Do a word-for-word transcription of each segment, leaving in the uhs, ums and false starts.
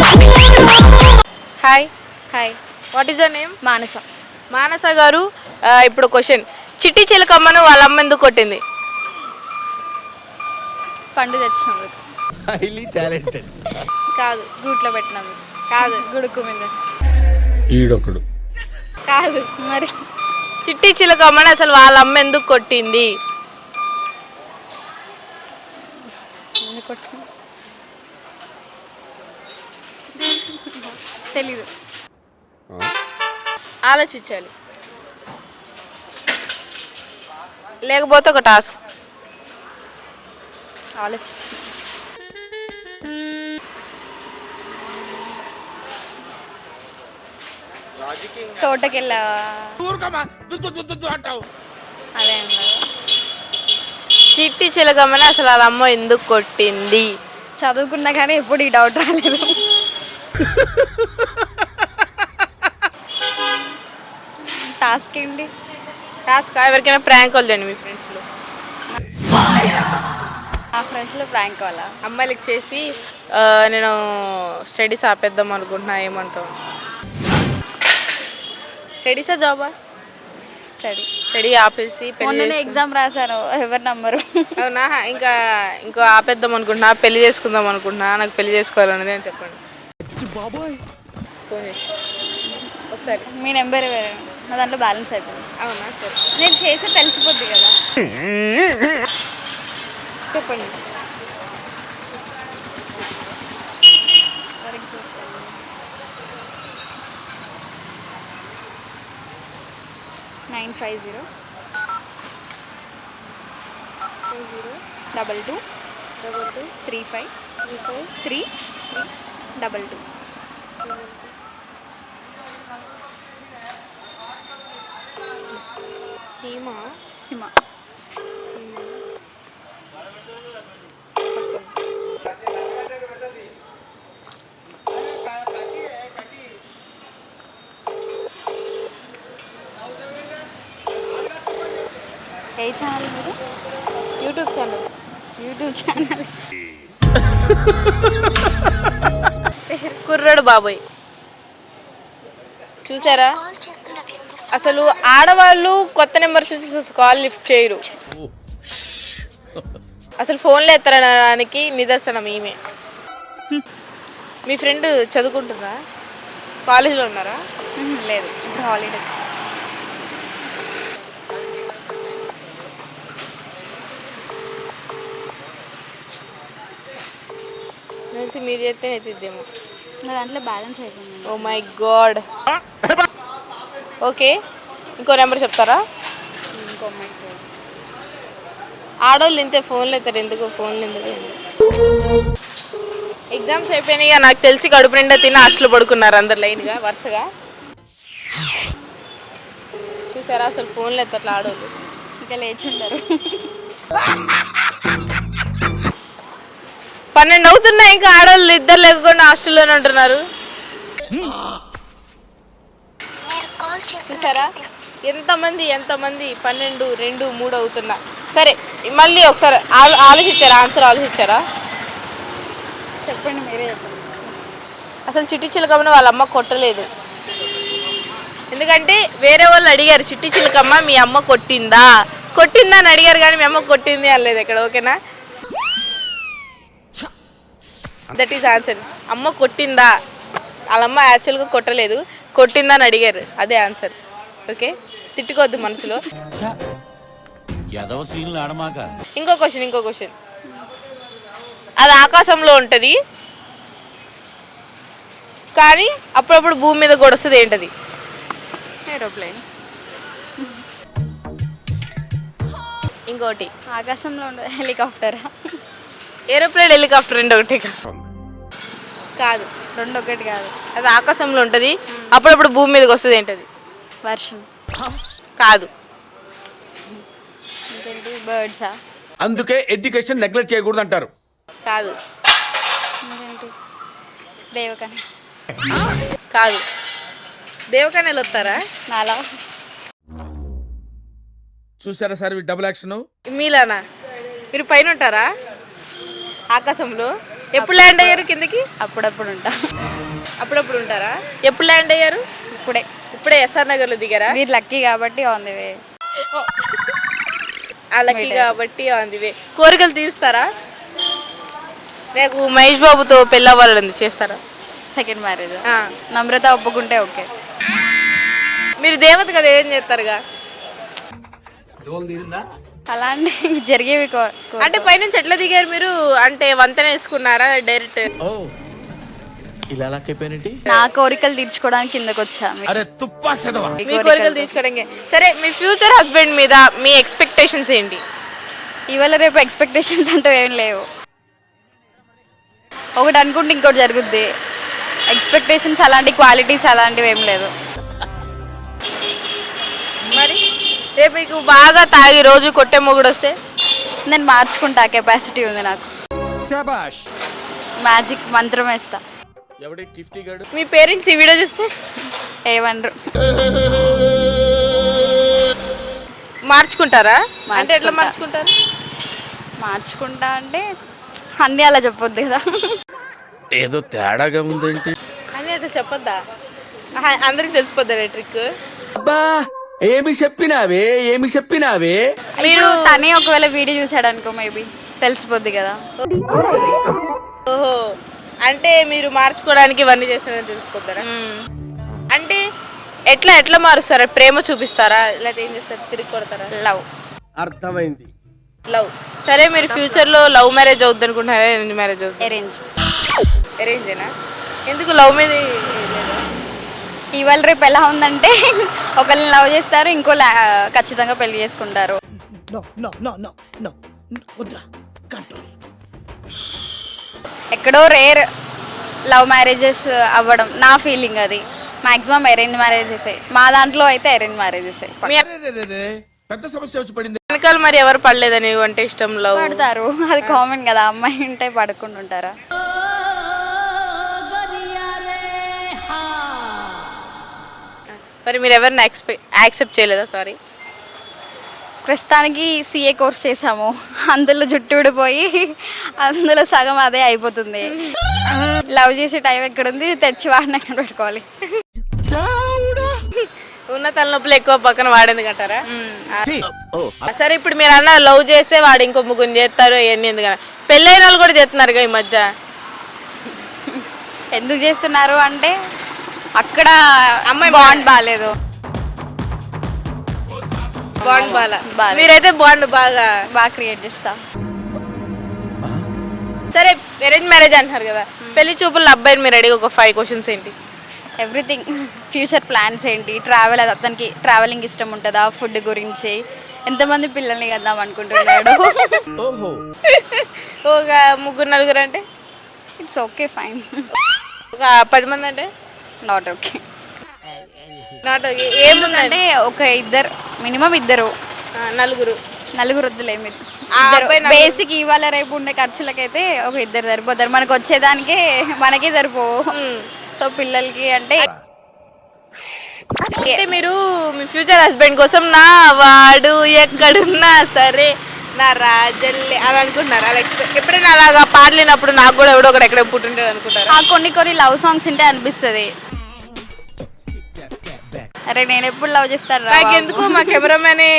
Hi hi, what is the name? Manasa. Manasa garu, ఆ, ఇప్పుడు question, చిట్టి చిలకమ్మను వాళ్ళ అమ్మ ఎందుకు కొట్టింది? పండు తెచ్చినందుకు. Highly talented. కాదు గూట్లో పెట్టినందుకు. కాదు గుడుకు మీద. ఈడొకడు. కాదు మరి చిట్టి చిలకమ్మని అసలు వాళ్ళ అమ్మ ఎందుకు కొట్టింది? ఎందుకు కొట్టింది? తెలీదు. ఆలోచించాలి, లేకపోతే ఒక టాస్క్. ఆలోచిస్తుంది. తోటకెళ్ళావా? అదే అన్నారు. చిట్టి చిలకమ్మని అసలు వాళ్ళ అమ్మ ఎందుకు కొట్టింది? చదువుకున్నా కానీ ఎప్పుడు ఈ డౌట్ రాలేదు. టాస్క్ ఏంటి? టాస్క్ ఎవరికైనా ప్రాంక్ వద్దండి మీ ఫ్రెండ్స్లో. ఆ ఫ్రెండ్స్లో ప్రాంక్ వాళ్ళ అమ్మాయిలకి చేసి ఆ, నేను స్టడీస్ ఆపేద్దాం అనుకుంటున్నా, ఏమంటావు? స్టడీసా జాబా? స్టడీ. స్టడీ ఆపేసి పెళ్లి మొన్ననే చేసుకుని- ఎగ్జామ్ రాశాను, ఎవరు నమ్మరు. అవునా? ఇంకా ఇంకో ఆపేద్దాం అనుకుంటున్నా, పెళ్లి చేసుకుందాం అనుకుంటున్నా, నాకు పెళ్లి చేసుకోవాలన్నది అని చెప్పండి. ఫోన్ చేసి ఒకసారి. మీ నెంబర్ వేరే, నా దాంట్లో బ్యాలెన్స్ అయిపోయింది. అవునా? సరే నేను చేస్తే తెలిసిపోద్ది కదా. చెప్పండి. Nine five zero double two double two three five three five three double two. Hima. Hima. ఏ ఛానల్ మీరు? YouTube channel. YouTube channel. కుర్రాడు బాబోయ్. చూసారా? అసలు ఆడవాళ్ళు కొత్త నెంబర్స్ వచ్చి కాల్ లిఫ్ట్ చేయరు, అసలు ఫోన్లో ఎత్తడానికి నిదర్శనం ఈమె. మీ ఫ్రెండ్ చదువుకుంటుందా? కాలేజీలో ఉన్నారా? మ్మ్, లేదు, ఇప్పుడు హాలిడేస్. తెలిసి మీరు చేస్తే ఎత్తిద్దేమో. నా దాంట్లో బ్యాలెన్స్ అయిపోయింది. Oh my god. ఓకే, ఇంకో నెంబర్ చెప్తారా? ఇంకో అమ్మాయి. ఆడవాళ్ళు ఇంతే, ఫోన్లు ఎత్తారు, ఎందుకు ఫోన్లు ఎందుకు? ఎగ్జామ్స్ అయిపోయినాయి, నాకు తెలిసి కడుపు నిండా తిని హాస్టల్ పడుకున్నారు అందరు లైన్గా వరుసగా. చూసారా? అసలు ఫోన్లు ఎత్తట్లా ఆడవాళ్ళు. ఇంకా లేచి ఉండరు. పన్నెండు అవుతున్నాయి, ఇంకా ఆడవాళ్ళు ఇద్దరు లేకుండా హాస్టల్లోనే ఉంటున్నారు. చూసారా? ఎంతమంది ఎంతమంది పన్నెండు రెండు మూడు అవుతున్నా. సరే, మళ్ళీ ఒకసారి ఆలో ఆలోచించారా ఆన్సర్ ఆలోచించారా? చెప్పండి, మీరే చెప్పండి. అసలు చిట్టి చిలకమ్మని వాళ్ళ అమ్మ కొట్టలేదు. ఎందుకంటే వేరే వాళ్ళు అడిగారు, చిట్టి చిలకమ్మ మీ అమ్మ కొట్టిందా కొట్టిందా అని అడిగారు, కానీ మీ అమ్మ కొట్టింది అనలేదు ఇక్కడ. ఓకేనా? That is answer. అమ్మ కొట్టిందా, వాళ్ళ అమ్మ యాక్చువల్గా కొట్టలేదు, కొట్టిందా అని అడిగారు, అదే ఆన్సర్. ఓకే, తిట్టుకోవద్దు మనసులో. ఇంకో క్వశ్చన్ ఇంకో క్వశ్చన్ అది ఆకాశంలో ఉంటుంది కానీ అప్పుడప్పుడు భూమి మీద కూడా వస్తుంది, ఏంటది? ఏరోప్లేన్. ఇంకోటి ఆకాశంలో ఉండదు, హెలికాప్టరా? ఏరోప్లేన్ హెలికాప్టర్ రెండు ఒకటి కాదు. రెండు ఒకటి కాదు. అది ఆకాశంలో ఉంటుంది, అప్పుడప్పుడు భూమి మీదకి వస్తుంది, ఏంటది? వర్షం. కాదు. ఇంకేంటి? బర్డ్సా? అందుకే ఎడ్యుకేషన్ నెగ్లెక్ట్ చేయకూడదు అంటారు. కాదు. ఇంకేంటి? దేవకని. కాదు. దేవకన్యలు వస్తారా? నాలా. చూసారా సార్ డబుల్ యాక్షన్. మీలానా? మీరు పైన ఉంటారా ఆకాశంలో? ఎప్పుడు ల్యాండ్ అయ్యారు కిందకి? అప్పుడప్పుడు ఉంటా. అప్పుడప్పుడు ఉంటారా? ఎప్పుడు ల్యాండ్ అయ్యారు? ఇప్పుడే. ఇప్పుడే ఎస్ఆర్ నగర్లో దిగారా? మీరు లక్కీ కాబట్టి ఆన్ ది వే. ఆ లక్కీ కాబట్టి ఆన్ ది వే. కోరికలు తీరుస్తారా? నాకు మహేష్ బాబుతో పెళ్ళి అవ్వాలని చేస్తారా? సెకండ్ మ్యారేజ్ ఆ. నమ్రత ఒప్పుకుంటే ఓకే. మీరు దేవత కదా, ఏం చేస్తారుగా? అలాంటి జరిగేవి కో- కో- అంటే పైనుంచి ఎట్లా దిగారు మీరు? అంటే వంతెన వేసుకున్నారా డైరెక్ట్? ఓ ఇలా లాక్కైపోయినట్టి. నా కోరికలు తీర్చుకోవడానికి కిందకు వచ్చా. మీ- అరే తుప్పా చదవా. మీ మీ కోరికలు తీర్చుకోవడానికి. సరే, మీ ఫ్యూచర్ హస్బెండ్ మీద మీ ఎక్స్పెక్టేషన్స్ ఏంటి? ఇవాళ రేపు ఎక్స్పెక్టేషన్స్ అంటూ ఏం లేవు. ఒకటి అనుకుంటే ఇంకోటి జరుగుద్ది. ఎక్స్పెక్టేషన్స్ అలాంటి క్వాలిటీస్ అలాంటివి ఏం లేదు. మరి రేపు మీకు బాగా తాగి రోజు కొట్టే మొగుడు వస్తే? నేను మార్చుకుంటా, కెపాసిటీ ఉంది నాకు. శభాష్. మ్యాజిక్ మంత్రం వేస్తా. ఎవడి టిఫ్టీ గాడు? మీ పేరెంట్స్ ఈ వీడియో చూస్తే ఏమనరు. మార్చుకుంటారా? అంటే ఎట్లా మార్చుకుంటా. మార్చుకుంటారు? మార్చుకుంటా అంటే అన్నీ అలా చెప్పొద్దు కదా. ఏదో తేడాగా ఉందేంటి? అని అట్లా చెప్పొద్దా? ఆహా, అందరికి తెలిసిపోద్దా ట్రిక్? అబ్బా ఏమి చెప్పినావే ఏమి చెప్పినావే. మీరు తనే ఒకవేళ వీడియో చూసాడు అనుకో, మేబీ తెలిసిపోద్ది కదా. ఓహో, అంటే మీరు మార్చుకోవడానికి ఇవన్నీ చేస్తారని తెలిసిపోతారా? మ్మ్. అంటే ఎట్లా ఎట్లా మారుస్తారా? ప్రేమ చూపిస్తారా లేకపోతే ఏం చేస్తారు? తిరిగి కొడతారా? లవ్. అర్థమైంది. లవ్. సరే, మీరు ఫ్యూచర్ లో లవ్ మ్యారేజ్ అవుద్ది అనుకుంటున్నారా? అరేంజ్ మ్యారేజ్ అవుద్ది? అరేంజ్. అరేంజేనా? ఎందుకు లవ్ మీద లేదా? ఇవాళ రేపు ఎలా ఉందంటే ఒకళ్ళని లవ్ చేస్తారు, ఇంకో ఖచ్చితంగా పెళ్లి చేసుకుంటారు. ఎక్కడో రేర్ లవ్ మ్యారేజెస్ అవ్వడం నా ఫీలింగ్. అది మాక్సిమం అరేంజ్ మ్యారేజెస్. మా దాంట్లో అయితే అరేంజ్ మ్యారేజెస్ మీ పెద్ద సమస్య వచ్చి పడింది. వెనకాల మరి ఎవరు పడలేదని అంటే ఇష్టం లవ్ పడతారు, అది కామన్ కదా. అమ్మాయి ఉంటే పడకుండా ఉంటారా? మరి మీరు ఎవరిని ఎక్స్పెక్ట్ యాక్సెప్ట్ చేయలేదా? సారీ. ప్రస్తుతానికి సిఏ కోర్స్ చేసాము, అందులో జుట్టు ఊడిపోయి అందులో సగం అదే అయిపోతుంది. లవ్ చేసే టైం ఎక్కడుంది, తెచ్చి వాడిని ఎక్కడ పెట్టుకోవాలి. ఉన్న తలనొప్పులు ఎక్కువ పక్కన వాడేందుకు అంటారా? సరే, ఇప్పుడు మీరు అన్న లవ్ చేస్తే వాడు ఇంకో ముగ్గురు చేస్తారు ఇవన్నీ ఎందుకన్నా? పెళ్ళైన వాళ్ళు కూడా చేస్తున్నారుగా ఈ మధ్య. ఎందుకు చేస్తున్నారు అంటే అక్కడ అమ్మాయి బాండ్ బాగాలేదు. బాండ్ బాగా బాగా. మీరైతే బాండ్ బాగా బాగా క్రియేట్ చేస్తా. సరే, అరేంజ్ మ్యారేజ్ అంటున్నారు కదా, పెళ్లి చూపుల అబ్బాయిని మీరు అడిగి ఒక ఫైవ్ క్వశ్చన్స్ ఏంటి? ఎవ్రీథింగ్. ఫ్యూచర్ ప్లాన్స్ ఏంటి, ట్రావెల్, అతనికి ట్రావెలింగ్ ఇష్టం ఉంటుందా, ఫుడ్ గురించి, ఎంతమంది పిల్లల్ని కద్దాం అనుకుంటున్నాడు. ఓహో ఒక ముగ్గురు నలుగురు అంటే ఇట్స్ ఓకే, ఫైన్. ఒక పది మంది అంటే నాట్ ఓకే. Not okay. ఏముందంటే అంటే ఒక ఇద్దరు, మినిమం ఇద్దరు. నలుగురు నలుగురు వద్దులే, మీరు ఆ అబ్బాయి నలుగురు. బేసిక్ ఇవాళ రేపు ఉండే ఖర్చులకైతే ఒక ఇద్దరు సరిపోతారు. మనకు వచ్చేదానికే మనకే సరిపోవు. సో పిల్లలకి అంటే అంటే మీరు మీ ఫ్యూచర్ హస్బెండ్ కోసం నా వాడు ఎక్కడున్నా సరే నా రాజల్లే అలా అనుకుంటున్నారు? అలా ఎక్స్పెక్ట్ ఎప్పుడైనా అలాగా పాడలేనప్పుడు నాకు కూడా ఎవడో ఒకటి ఎక్కడ పుట్టుంటాడు అనుకుంటారు? ఆ కొన్ని కొన్ని లవ్ సాంగ్స్ ఉంటే అనిపిస్తుంది, అరే నేను ఎప్పుడు లవ్ చేస్తాను రా నాకు బాబు. ఎందుకు మా కెమెరామెనే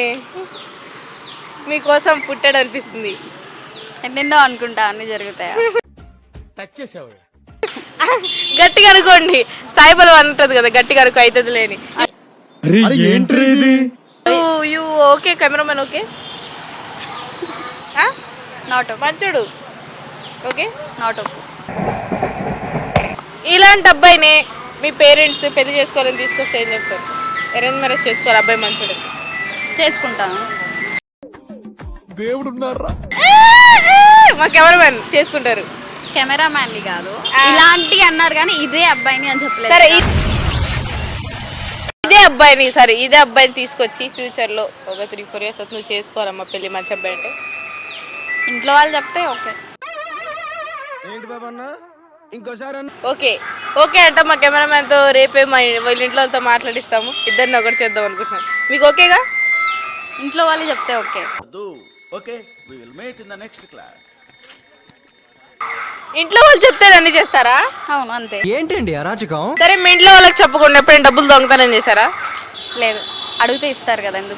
మీకోసం పుట్టాడు అనిపిస్తుంది. ఎన్నెన్నో అనుకుంటా, అన్ని జరుగుతాయా? టచ్ చేసావు. గట్టిగా అనుకోండి, సాయిబల్ అంటది కదా, గట్టిగా అనుకో అవుతుంది లేని. You okay cameraman? Okay, not okay. మంచోడు. Okay, not okay. ఇలాంటి అబ్బాయిని మీ పేరెంట్స్ పెళ్లి చేసుకోవాలని తీసుకొస్తే ఏం చెప్తారు? అరేంజ్ మ్యారేజ్ చేసుకోవాలి, అబ్బాయి మంచోడు. చేసుకుంటాను. దేవుడు ఉన్నారా? మా కెమెరామెన్ చేసుకుంటారు. కెమెరా మ్యాన్ది కాదు, ఆ. ఇలాంటి అన్నారు కానీ ఇదే అబ్బాయిని అని చెప్పలేదు. సరే, ఇ- ఇదే అబ్బాయిని సరే ఇదే అబ్బాయిని తీసుకొచ్చి ఫ్యూచర్లో ఒక త్రీ ఫోర్ ఇయర్స్ అవుతుంది నువ్వు చేసుకోవాలమ్మా పెళ్లి మంచి అబ్బాయి అంటే ఇంట్లో వాళ్ళు చెప్తే ఓకే. ఏంటి బాబా అన్న ఇంకోసారి అన్న. ఓకే ఓకే అంట మా కెమెరామ్యాన్తో రేపే మా వాళ్ళ ఇంట్లో వాళ్ళతో మాట్లాడిస్తాము, ఇద్దరిని ఒకటి చేద్దాం అనుకుంటున్నాను. మీకు ఓకేగా? ఇంట్లో వాళ్ళు చెప్తే okay. Okay we will meet in the next class. ఇంట్లో వాళ్ళు చెప్తే అన్ని చేస్తారా? అవును అంతే. ఏంటండి అరాచకం? సరే మీ ఇంట్లో వాళ్ళకి చెప్పకుండా ఎప్పుడైనా డబ్బులు దొంగతనం చేశారా? లేదు, అడిగితే ఇస్తారు కదా, ఎందుకు?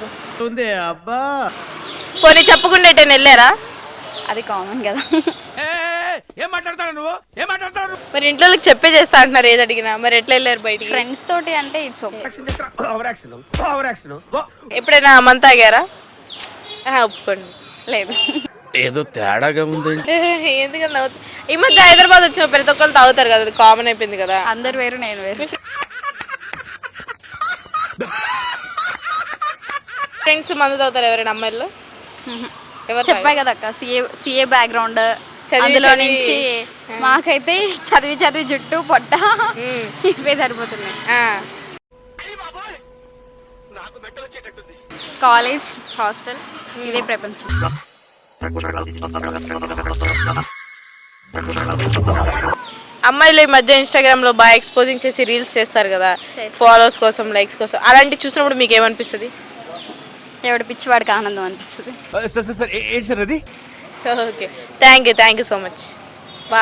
పోనీ చెప్పకుండా ఎటైనా వెళ్ళారా? అది కామన్ కదా. ఏం మాట్లాడతాడు నువ్వు ఏం మాట్లాడతాడు మరి ఇంట్లో వాళ్ళకి చెప్పే చేస్తా అంటున్నారు ఏది అడిగినా, మరి ఎట్లా వెళ్ళారు బయటికి? ఫ్రెండ్స్ తోటి అంటే it's okay. Over action over action ఎప్పుడైనా మంత్ తాగారా? ఆహా, ఒప్పుకోండి. లేదు. ఏదో తేడాగా ఉంది. ఎందుకని నవ్వుతా? ఈ మధ్య హైదరాబాద్ వచ్చిన ప్రతి ఒక్కరు తాగుతారు కదా, అది కామన్ అయిపోయింది కదా. అందరు వేరు, నేను వేరు. ఫ్రెండ్స్ మందు తాగుతారు ఎవరైనా అమ్మాయిలు? ఎవరు చెప్పా కదా అక్క, సిఏ సిఏ బ్యాక్గ్రౌండ్, చదివి అందులో చదివి. నుంచి మాకైతే చదివి చదివి జుట్టు పొట్ట ఇవే సరిపోతున్నాయి. ఆ. కాలేజ్, హాస్టల్, ఇదే ప్రపంచం. అమ్మాయిలు ఈ మధ్య ఇన్స్టాగ్రామ్ లో బాగా ఎక్స్పోజింగ్ చేసి రీల్స్ చేస్తారు కదా, చేస్తారు. ఫాలోవర్స్ కోసం, లైక్స్ కోసం. అలాంటి చూసినప్పుడు మీకు ఏమనిపిస్తుంది? ఎవడు పిచ్చివాడికి ఆనందం అనిపిస్తుంది. సార్ సార్ ఏంటి సార్ అది? Okay, thank you thank you so much.